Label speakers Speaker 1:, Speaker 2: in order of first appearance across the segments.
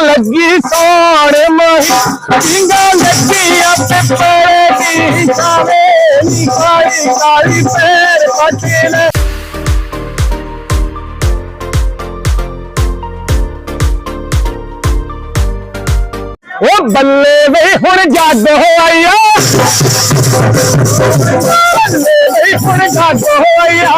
Speaker 1: लगी सोने मही टींगा लगी पिपड़े की छावे नी काली काली पैर पचले ओ बल्ले वे हुण जागो आया बल्ले वे हुण जागो आया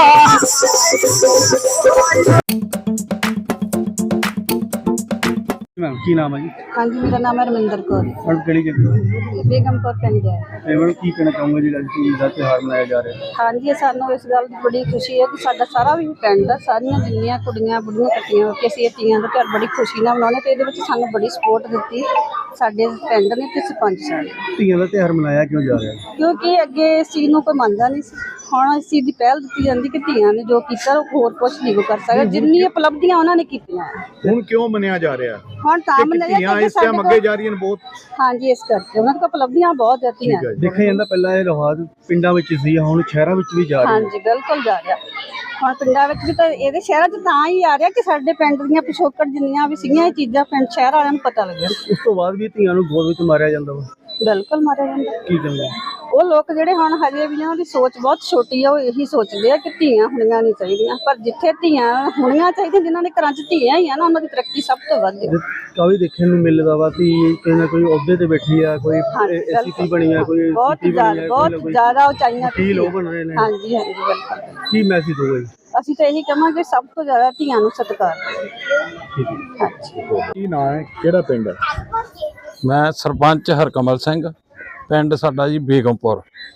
Speaker 2: मैम की नाम है जी?
Speaker 3: हाँ जी, मेरा नाम है रमिंदर कौर,
Speaker 2: और किहड़ी जगह
Speaker 3: बेगमपुर पिंड है।
Speaker 2: ਤੇ ਮੈਡਮ ਕੀ ਕਹਿਣਾ ਚਾਹੋਗੇ ਜਿਹੜਾ ਤੀਜ ਦਾ ਤਿਉਹਾਰ ਮਨਾਇਆ ਜਾ ਰਿਹਾ ਹੈ?
Speaker 3: हाँ जी, सानू इस गल की बड़ी खुशी है कि साडा सारा भी पिंड सारियां जिन्नियां कुड़ियां बुढ़ियां इकट्ठियां हो के असीं इह तीयां दा त्योहार बड़ी खुशी नाल मनाउने ते इहदे विच सानू बड़ी सपोर्ट दित्ती साडे पिंड ने ते सरपंच साहब
Speaker 2: ਧੀਆਂ ਦਾ ਤਿਉਹਾਰ ਮਨਾਇਆ ਕਿਉਂ ਜਾ ਰਿਹਾ ਹੈ?
Speaker 3: क्योंकि अगे इस चीज़ नूं कोई मनदा नहीं सी। हुण इस चीज़ की पहल दित्ती जांदी कि धीआं ने जो कीता ओह होर कुछ नहीं वो कर सकदा जिन्नी उपलब्धियां उन्हां ने कीतियां
Speaker 4: ਹੁਣ ਕਿਉਂ ਮੰਨਿਆ ਜਾ ਰਿਹਾ
Speaker 3: हुण तां मनाया
Speaker 4: ਧੀਆਂ ਇਸ ਟਾਈਮ ਅੱਗੇ ਜਾ ਰਹੀਆਂ ਨੇ ਬਹੁਤ
Speaker 3: हाँ जी इस करके उन्हां कोल उपलब्धियां बहुत है धीआं
Speaker 2: ਦੇਖਿਆ ਜਾਂਦਾ ਪਹਿਲਾਂ ਇਹ ਰਿਵਾਜ ਪਿੰਡਾਂ ਵਿੱਚ ਸੀ ਹੁਣ ਸ਼ਹਿਰਾਂ ਵਿੱਚ ਵੀ ਜਾ ਰਿਹਾ
Speaker 3: हाँ जी बिल्कुल जा रहा ਹੁਣ ਪਿੰਡਾਂ ਵਿੱਚ ਵੀ ਤਾਂ ਇਹਦੇ ਸ਼ਹਿਰਾਂ 'ਚ ਤਾਂ ਹੀ ਆ ਰਿਹਾ ਕਿ ਸਾਡੇ ਪਿੰਡ ਦੀਆਂ ਪਿਛੋਕੜ ਜਿੰਨੀਆਂ ਵੀ ਸੀਗੀਆਂ ਇਹ ਚੀਜ਼ਾਂ ਪਿੰਡ ਸ਼ਹਿਰ ਵਾਲਿਆਂ ਨੂੰ ਪਤਾ ਲੱਗਿਆ
Speaker 2: ਉਸ ਤੋਂ ਬਾਅਦ ਵੀ ਧੀਆਂ ਨੂੰ ਗੋਦ ਵਿੱਚ ਮਾਰਿਆ ਜਾਂਦਾ ਵਾ
Speaker 3: ਬਿਲਕੁਲ ਮਾਰਿਆ ਜਾਂਦਾ
Speaker 2: ਕੀ ਕਹਿੰਦੇ
Speaker 3: ਉਹ ਲੋਕ ਜਿਹੜੇ ਹੁਣ ਹਜੇ ਵੀ ਉਹਨਾਂ ਦੀ ਸੋਚ ਬਹੁਤ ਛੋਟੀ ਆ ਉਹ ਇਹੀ ਸੋਚਦੇ ਆ ਕਿ ਧੀਆਂ ਹੋਣੀਆਂ ਨਹੀਂ ਚਾਹੀਦੀਆਂ ਪਰ ਜਿੱਥੇ ਧੀਆਂ ਹੋਣੀਆਂ ਚਾਹੀਦੀਆਂ ਜਿਨ੍ਹਾਂ ਦੇ ਘਰਾਂ 'ਚ ਧੀਆਂ ਹੀ ਆ ਨਾ ਉਹਨਾਂ ਦੀ ਤਰੱਕੀ ਸਭ ਤੋਂ ਵੱਧ ਹੈ
Speaker 2: ਕਾਫੀ ਦੇਖਣ ਨੂੰ ਮਿਲਦਾ ਵਾ ਕਿ ਕੋਈ ਨਾ ਕੋਈ ਅਹੁਦੇ ਤੇ ਬੈਠੀ ਆ ਕੋਈ ਐਸਪੀ ਬਣੀ ਆ ਕੋਈ
Speaker 3: ਬਹੁਤ ਜ਼ਿਆਦਾ ਉਚਾਈਆਂ
Speaker 2: ਕੀ ਲੋਕ ਬਣ ਰਹੇ ਨੇ
Speaker 3: ਹਾਂਜੀ ਹਾਂਜੀ ਬਿਲਕੁਲ
Speaker 2: ਕੀ ਮੈਸੇਜ ਹੋਊਗਾ ਜੀ?
Speaker 3: ਅਸੀਂ ਤਾਂ ਇਹੀ ਕਹਾਂਗੇ ਸਭ ਤੋਂ ਜ਼ਿਆਦਾ ਧੀਆਂ ਨੂੰ ਸਤਿਕਾਰ
Speaker 2: ਠੀਕ ਹੈ
Speaker 3: ਹਾਂਜੀ
Speaker 4: ਕੀ ਨਾਂ ਹੈ ਕਿਹੜਾ ਪਿੰਡ ਹੈ?
Speaker 5: ਮੈਂ ਸਰਪੰਚ ਹਰਕਮਲ ਸਿੰਘ ਪਿੰਡ ਸਾਡਾ ਜੀ ਬੇਗਮਪੁਰ।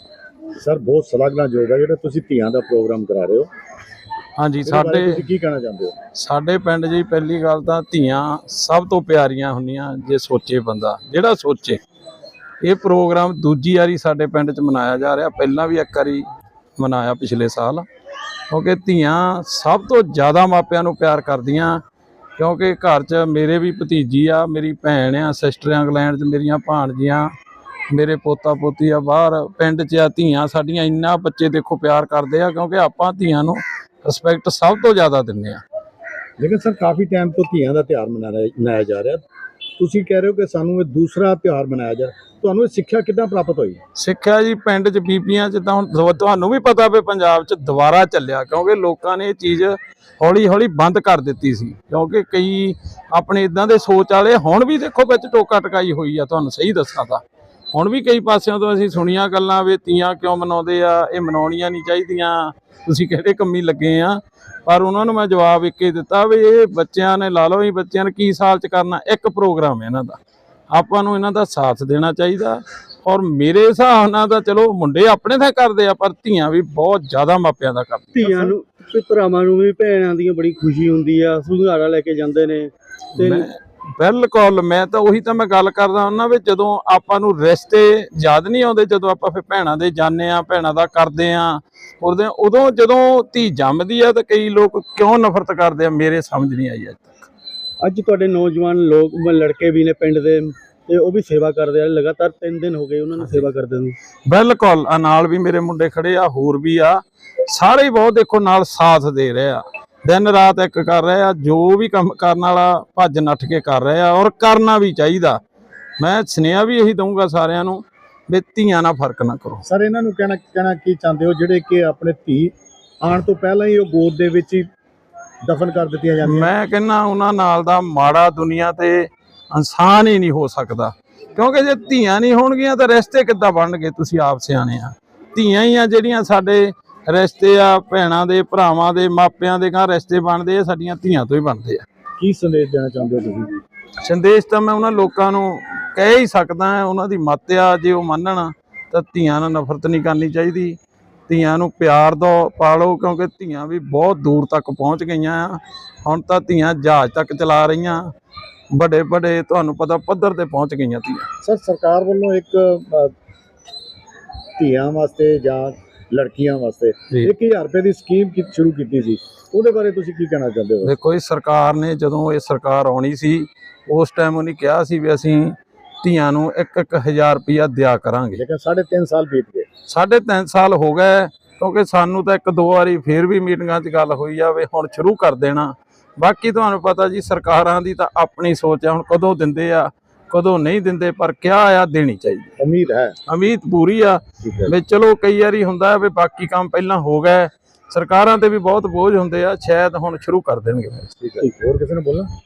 Speaker 4: ਸਰ ਬਹੁਤ ਸ਼ਲਾਘਾਯੋਗ ਹੈ ਜਿਹੜਾ ਤੁਸੀਂ ਧੀਆਂ ਦਾ ਪ੍ਰੋਗਰਾਮ ਕਰਾ ਰਹੇ ਹੋ।
Speaker 5: ਹਾਂਜੀ
Speaker 4: ਇਹਦੇ ਬਾਰੇ
Speaker 5: ਸਾਡੇ
Speaker 4: ਤੁਸੀਂ ਕੀ ਕਹਿਣਾ ਚਾਹੁੰਦੇ ਹੋ?
Speaker 5: ਸਾਡੇ ਪਿੰਡ ਜੀ ਪਹਿਲੀ ਗੱਲ ਤਾਂ ਧੀਆਂ ਸਭ ਤੋਂ ਪਿਆਰੀਆਂ ਹੁੰਦੀਆਂ ਜੇ ਸੋਚੇ ਬੰਦਾ ਜਿਹੜਾ ਸੋਚੇ। ਇਹ ਪ੍ਰੋਗਰਾਮ ਦੂਜੀ ਵਾਰੀ ਸਾਡੇ ਪਿੰਡ 'ਚ ਮਨਾਇਆ ਜਾ ਰਿਹਾ ਪਹਿਲਾਂ ਵੀ ਇੱਕ ਵਾਰੀ ਮਨਾਇਆ ਪਿਛਲੇ ਸਾਲ ਕਿਉਂਕਿ ਧੀਆਂ ਸਭ ਤੋਂ ਜ਼ਿਆਦਾ ਮਾਪਿਆਂ ਨੂੰ ਪਿਆਰ ਕਰਦੀਆਂ ਕਿਉਂਕਿ ਘਰ 'ਚ ਮੇਰੇ ਵੀ ਭਤੀਜੀ ਆ ਮੇਰੀ ਭੈਣ ਆ ਸਿਸਟਰ ਇੰਗਲੈਂਡ 'ਚ ਮੇਰੀਆਂ ਭਾਣਜੀਆਂ ਮੇਰੇ ਪੋਤਾ ਪੋਤੀ ਆ ਬਾਹਰ ਪਿੰਡ 'ਚ ਆ ਧੀਆਂ ਸਾਡੀਆਂ ਇੰਨਾ ਬੱਚੇ ਦੇਖੋ ਪਿਆਰ ਕਰਦੇ ਆ ਕਿਉਂਕਿ ਆਪਾਂ ਧੀਆਂ ਨੂੰ ਰਿਸਪੈਕਟ ਸਭ ਤੋਂ ਜ਼ਿਆਦਾ ਦਿੰਦੇ ਆ।
Speaker 4: ਲੇਕਿਨ ਸਰ ਕਾਫੀ ਟਾਈਮ ਤੋਂ ਧੀਆਂ ਦਾ ਤਿਉਹਾਰ ਮਨਾਇਆ ਜਾ ਰਿਹਾ ਤੁਸੀਂ ਕਹਿ ਰਹੇ ਹੋ ਕਿ ਸਾਨੂੰ ਇਹ ਦੂਸਰਾ ਤਿਉਹਾਰ ਮਨਾਇਆ ਜਾ ਤੁਹਾਨੂੰ ਇਹ ਸਿੱਖਿਆ ਕਿੱਦਾਂ ਪ੍ਰਾਪਤ ਹੋਈ?
Speaker 5: ਸਿੱਖਿਆ ਜੀ ਪਿੰਡ 'ਚ ਬੀਬੀਆਂ 'ਚ ਤਾਂ ਹੁਣ ਤੁਹਾਨੂੰ ਵੀ ਪਤਾ ਵੀ ਪੰਜਾਬ 'ਚ ਦੁਬਾਰਾ ਚੱਲਿਆ ਕਿਉਂਕਿ ਲੋਕਾਂ ਨੇ ਇਹ ਚੀਜ਼ ਹੌਲੀ ਹੌਲੀ ਬੰਦ ਕਰ ਦਿੱਤੀ ਸੀ ਕਿਉਂਕਿ ਕਈ ਆਪਣੇ ਇਦਾਂ ਦੇ ਸੋਚ ਵਾਲੇ ਹੁਣ ਵੀ ਦੇਖੋ ਵਿੱਚ ਟੋਕਾ ਟਕਾਈ ਹੋਈ ਆ ਤੁਹਾਨੂੰ ਸਹੀ ਦੱਸਾਂ ਤਾਂ ਹੁਣ ਵੀ ਕਈ ਪਾਸਿਆਂ ਤੋਂ ਅਸੀਂ ਸੁਣੀਆਂ ਗੱਲਾਂ ਵੀ ਧੀਆਂ ਕਿਉਂ ਮਨਾਉਂਦੇ ਆ ਇਹ ਮਨਾਉਣੀਆਂ ਨਹੀਂ ਚਾਹੀਦੀਆਂ ਤੁਸੀਂ ਕਿਹੜੇ ਕੰਮੀ ਲੱਗੇ ਆ ਪਰ ਉਹਨਾਂ ਨੂੰ ਮੈਂ ਜਵਾਬ ਇੱਕ ਹੀ ਦਿੱਤਾ ਵੀ ਇਹ ਬੱਚਿਆਂ ਨੇ ਲਾ ਲਓ ਇਹ ਬੱਚਿਆਂ ਨੇ ਕੀ ਸਾਲ 'ਚ ਕਰਨਾ ਇੱਕ ਪ੍ਰੋਗਰਾਮ ਹੈ ਇਹਨਾਂ ਦਾ ਆਪਾਂ ਨੂੰ ਇਹਨਾਂ ਦਾ ਸਾਥ ਦੇਣਾ ਚਾਹੀਦਾ ਔਰ ਮੇਰੇ ਹਿਸਾਬ ਨਾਲ ਤਾਂ ਚਲੋ ਮੁੰਡੇ ਆਪਣੇ ਤਾਂ ਕਰਦੇ ਆ ਪਰ ਧੀਆਂ ਵੀ ਬਹੁਤ ਜ਼ਿਆਦਾ ਮਾਪਿਆਂ ਦਾ ਕਰਦੀਆਂ।
Speaker 2: ਧੀਆਂ ਨੂੰ ਤੇ ਭਰਾਵਾਂ ਨੂੰ ਵੀ ਭੈਣਾਂ ਦੀ ਬੜੀ ਖੁਸ਼ੀ ਹੁੰਦੀ ਆ ਸੁਧਾਰਾ ਲੈ ਕੇ ਜਾਂਦੇ ਨੇ ਤੇ
Speaker 5: ਬਿਲਕੁਲ ਮੈਂ ਤਾਂ ਉਹੀ ਤਾਂ ਮੈਂ ਗੱਲ ਕਰਦਾ ਉਹਨਾਂ ਵਿੱਚ ਜਦੋਂ ਆਪਾਂ ਨੂੰ ਰਿਸ਼ਤੇ ਯਾਦ ਨਹੀਂ ਆਉਂਦੇ ਜਦੋਂ ਆਪਾਂ ਫਿਰ ਭੈਣਾਂ ਦੇ ਜਾਂਦੇ ਆ ਭੈਣਾਂ ਦਾ ਕਰਦੇ ਆ ਉਦੋਂ ਜਦੋਂ ਧੀ ਜੰਮਦੀ ਆ ਤਾਂ ਕਈ ਲੋਕ ਕਿਉਂ ਨਫ਼ਰਤ ਕਰਦੇ ਆ ਮੇਰੇ ਸਮਝ ਨਹੀਂ ਆਈ ਅੱਜ ਤੱਕ।
Speaker 2: ਅੱਜ ਤੁਹਾਡੇ ਨੌਜਵਾਨ ਲੋਕ ਲੜਕੇ ਵੀ ਨੇ ਪਿੰਡ ਦੇ ਤੇ ਉਹ ਵੀ ਸੇਵਾ ਕਰਦੇ ਆ ਲਗਾਤਾਰ 3 ਦਿਨ ਹੋ ਗਏ ਉਹਨਾਂ ਨੂੰ ਸੇਵਾ ਕਰਦੇ ਨੂੰ।
Speaker 5: ਬਿਲਕੁਲ ਆ ਨਾਲ ਵੀ ਮੇਰੇ ਮੁੰਡੇ ਖੜੇ ਆ ਹੋਰ ਵੀ ਆ ਸਾਰੇ ਹੀ ਬਹੁਤ ਦੇਖੋ ਨਾਲ ਸਾਥ ਦੇ ਰਹੇ ਆ ਦਿਨ ਰਾਤ ਇੱਕ ਕਰ ਰਹੇ ਆ ਜੋ ਵੀ ਕੰਮ ਕਰਨ ਵਾਲਾ ਭੱਜ ਨੱਠ ਕੇ ਕਰ ਰਹੇ ਆ ਔਰ ਕਰਨਾ ਵੀ ਚਾਹੀਦਾ। ਮੈਂ ਸੁਨੇਹਾ ਵੀ ਇਹੀ ਦਊਂਗਾ ਸਾਰਿਆਂ ਨੂੰ ਵੀ ਧੀਆਂ ਨਾਲ ਫਰਕ ਨਾ ਕਰੋ।
Speaker 4: ਸਰ ਇਹਨਾਂ ਨੂੰ ਕਹਿਣਾ ਕੀ ਚਾਹੁੰਦੇ ਹੋ ਜਿਹੜੇ ਕਿ ਆਪਣੇ ਧੀ ਆਉਣ ਤੋਂ ਪਹਿਲਾਂ ਹੀ ਉਹ ਗੋਦ ਦੇ ਵਿੱਚ ਹੀ ਦਫਨ ਕਰ ਦਿੱਤੀਆਂ ਜਾਂਦੀਆਂ?
Speaker 5: ਮੈਂ ਕਹਿੰਦਾ ਉਹਨਾਂ ਨਾਲ ਦਾ ਮਾੜਾ ਦੁਨੀਆ ਤੇ ਇਨਸਾਨ ਹੀ ਨਹੀਂ ਹੋ ਸਕਦਾ ਕਿਉਂਕਿ ਜੇ ਧੀਆਂ ਨਹੀਂ ਹੋਣਗੀਆਂ ਤਾਂ ਰਿਸ਼ਤੇ ਕਿੱਦਾਂ ਬਣਨਗੇ? ਤੁਸੀਂ ਆਪ ਸਿਆਣੇ ਆ ਧੀਆਂ ਹੀ ਆ ਜਿਹੜੀਆਂ ਸਾਡੇ ਰਿਸ਼ਤੇ ਆ ਭੈਣਾਂ ਦੇ ਭਰਾਵਾਂ ਦੇ ਮਾਪਿਆਂ ਦੇ ਘਰ ਰਿਸ਼ਤੇ ਬਣਦੇ ਆ ਸਾਡੀਆਂ ਧੀਆਂ ਤੋਂ ਹੀ ਬਣਦੇ ਆ।
Speaker 4: ਕੀ ਸੰਦੇਸ਼ ਦੇਣਾ ਚਾਹੁੰਦੇ ਹੋ ਤੁਸੀਂ?
Speaker 5: ਸੰਦੇਸ਼ ਤਾਂ ਮੈਂ ਉਹਨਾਂ ਲੋਕਾਂ ਨੂੰ ਕਹਿ ਹੀ ਸਕਦਾ ਉਹਨਾਂ ਦੀ ਮੱਤ ਆ ਜੇ ਉਹ ਮੰਨਣ ਤਾਂ ਧੀਆਂ ਨਾਲ ਨਫ਼ਰਤ ਨਹੀਂ ਕਰਨੀ ਚਾਹੀਦੀ ਧੀਆਂ ਨੂੰ ਪਿਆਰ ਦਿਓ ਪਾਲੋ ਕਿਉਂਕਿ ਧੀਆਂ ਵੀ ਬਹੁਤ ਦੂਰ ਤੱਕ ਪਹੁੰਚ ਗਈਆਂ ਆ ਹੁਣ ਤਾਂ ਧੀਆਂ ਜਹਾਜ਼ ਤੱਕ ਚਲਾ ਰਹੀਆਂ ਵੱਡੇ ਵੱਡੇ ਤੁਹਾਨੂੰ ਪਤਾ ਪੱਧਰ ਤੇ ਪਹੁੰਚ ਗਈਆਂ ਧੀਆਂ।
Speaker 4: ਸਰ ਸਰਕਾਰ ਵੱਲੋਂ ਇੱਕ ਧੀਆਂ ਵਾਸਤੇ ਜਾਂ ਲੜਕੀਆਂ ਵਾਸਤੇ 1000 ਰੁਪਏ ਦੀ ਸਕੀਮ ਸ਼ੁਰੂ ਕੀਤੀ ਸੀ ਉਹਦੇ ਬਾਰੇ ਤੁਸੀਂ ਕੀ ਕਹਿਣਾ ਚਾਹੁੰਦੇ ਹੋ?
Speaker 5: ਦੇਖੋ ਇਹ ਸਰਕਾਰ ਨੇ ਜਦੋਂ ਇਹ ਸਰਕਾਰ ਆਉਣੀ ਸੀ ਉਸ ਟਾਈਮ ਉਹਨੇ ਕਿਹਾ ਸੀ ਵੀ ਅਸੀਂ ਧੀਆਂ ਨੂੰ 1000 ਰੁਪਇਆ ਦਿਆ ਕਰਾਂਗੇ
Speaker 4: ਲੇਕਿਨ 3.5 ਸਾਲ ਬੀਤ ਗਏ
Speaker 5: 3.5 ਸਾਲ ਹੋ ਗਏ ਕਿਉਂਕਿ ਸਾਨੂੰ ਤਾਂ 1-2 ਵਾਰੀ ਫੇਰ ਵੀ ਮੀਟਿੰਗਾਂ 'ਚ ਗੱਲ ਹੋਈ ਆ ਵੀ ਹੁਣ ਸ਼ੁਰੂ ਕਰ ਦੇਣਾ ਬਾਕੀ ਤੁਹਾਨੂੰ ਪਤਾ ਜੀ ਸਰਕਾਰਾਂ ਦੀ ਤਾਂ ਆਪਣੀ ਸੋਚ ਆ, ਹੁਣ ਕਦੋਂ ਦਿੰਦੇ ਆ ਕਦੋਂ ਨਹੀਂ ਦਿੰਦੇ, ਪਰ ਕਿਹਾ ਆ ਦੇਣੀ ਚਾਹੀਦੀ। ਉਮੀਦ ਪੂਰੀ ਆ ਵੀ ਚਲੋ ਕਈ ਵਾਰੀ ਹੁੰਦਾ ਵੀ ਬਾਕੀ ਕੰਮ ਪਹਿਲਾਂ ਹੋ ਗਏ, ਸਰਕਾਰਾਂ ਤੇ ਵੀ ਬਹੁਤ ਬੋਝ ਹੁੰਦੇ ਆ, ਸ਼ਾਇਦ ਹੁਣ ਸ਼ੁਰੂ ਕਰ ਦੇਣਗੇ।
Speaker 4: ਹੋਰ ਕਿਸੇ ਨੇ ਬੋਲਣਾ?